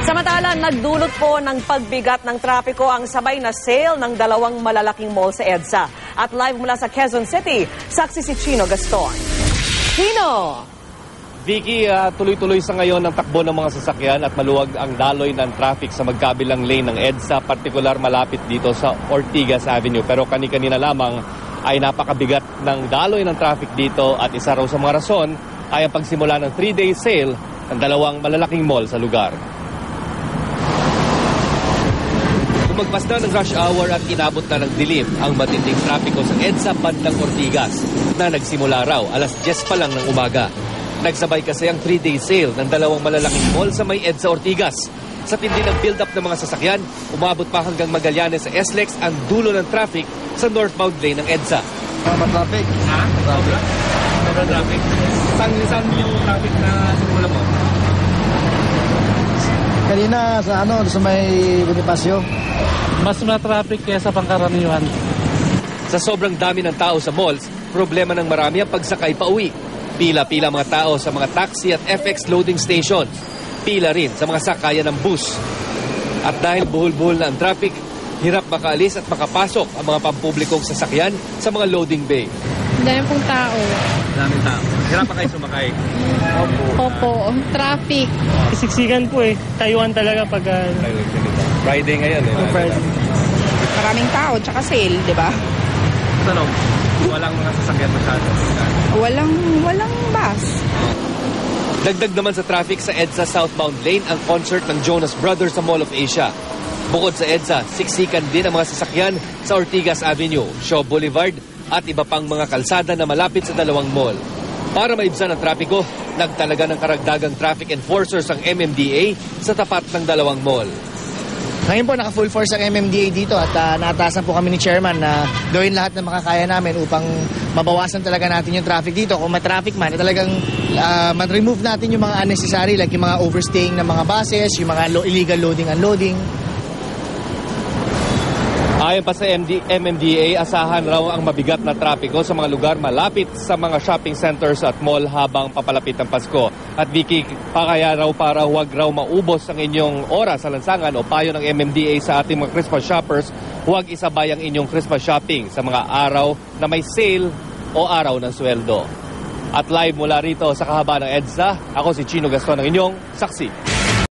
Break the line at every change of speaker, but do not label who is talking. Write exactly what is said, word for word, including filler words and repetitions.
Samantala, nagdulot po ng pagbigat ng trapiko ang sabay na sale ng dalawang malalaking mall sa EDSA. At live mula sa Quezon City, saksi si Chino Gaston. Chino!
Vicky, uh, tuloy-tuloy sa ngayon ang takbo ng mga sasakyan at maluwag ang daloy ng traffic sa magkabilang lane ng EDSA, partikular malapit dito sa Ortigas Avenue. Pero kani-kanina lamang ay napakabigat ng daloy ng traffic dito at isa raw sa mga rason ay ang pagsimula ng three-day sale ng dalawang malalaking mall sa lugar. Umagpas na ng rush hour at inabot na ng dilim ang matinding trapiko sa EDSA bandang Ortigas na nagsimula raw alas diyes pa lang ng umaga. Nagsabay kasi ang three-day sale ng dalawang malalaking mall sa may EDSA Ortigas. Sa tindi ng build-up ng mga sasakyan, umabot pa hanggang Magallanes sa S L E X ang dulo ng traffic sa northbound lane ng EDSA.
Tama traffic?
Ha? Sobra? Sobra traffic? Saan, saan yung traffic na simula mo?
Kanina sa ano, sa may Bonifacio.
Mas na-traffic kaysa pangkaraniwan.
Sa sobrang dami ng tao sa malls, problema ng marami ang pagsakay pa uwi. Pila-pila mga tao sa mga taxi at F X loading stations. Pila rin sa mga sakayan ng bus. At dahil buhol-buhol na ang traffic, hirap makaalis at makapasok ang mga pampublikong sasakyan sa mga loading bay.
Dami pong tao.
Daming tao. Hirap pa kayo sumakay.
Opo. Opo. Traffic.
Siksikan po eh. Taiwan talaga pag... Uh...
Friday ngayon eh.
Friday.
Maraming tao, tsaka sale, di ba?
Tanong, walang mga sasakyan masyado.
Walang, walang bus.
Dagdag naman sa traffic sa EDSA southbound lane ang concert ng Jonas Brothers sa Mall of Asia. Bukod sa EDSA, siksikan din ang mga sasakyan sa Ortigas Avenue, Shaw Boulevard at iba pang mga kalsada na malapit sa dalawang mall. Para maibsan ang trapiko, nagtalaga ng karagdagang traffic enforcers ang M M D A sa tapat ng dalawang mall.
Ngayon po, naka-full force ang M M D A dito at uh, naatasan po kami ni Chairman na gawin lahat ng makakaya namin upang mabawasan talaga natin yung traffic dito. Kung may traffic man, talagang uh, ma-remove natin yung mga unnecessary like yung mga overstaying ng mga buses, yung mga lo- illegal loading unloading.
Ayon pa sa M M D A, asahan raw ang mabigat na trapiko sa mga lugar malapit sa mga shopping centers at mall habang papalapit ang Pasko. At Vicky, pakaya raw para huwag raw maubos ang inyong oras sa lansangan o payo ng M M D A sa ating mga Christmas shoppers, huwag isabay ang inyong Christmas shopping sa mga araw na may sale o araw ng sweldo. At live mula rito sa kahabaan ng EDSA, ako si Chino Gaston, ang inyong saksi.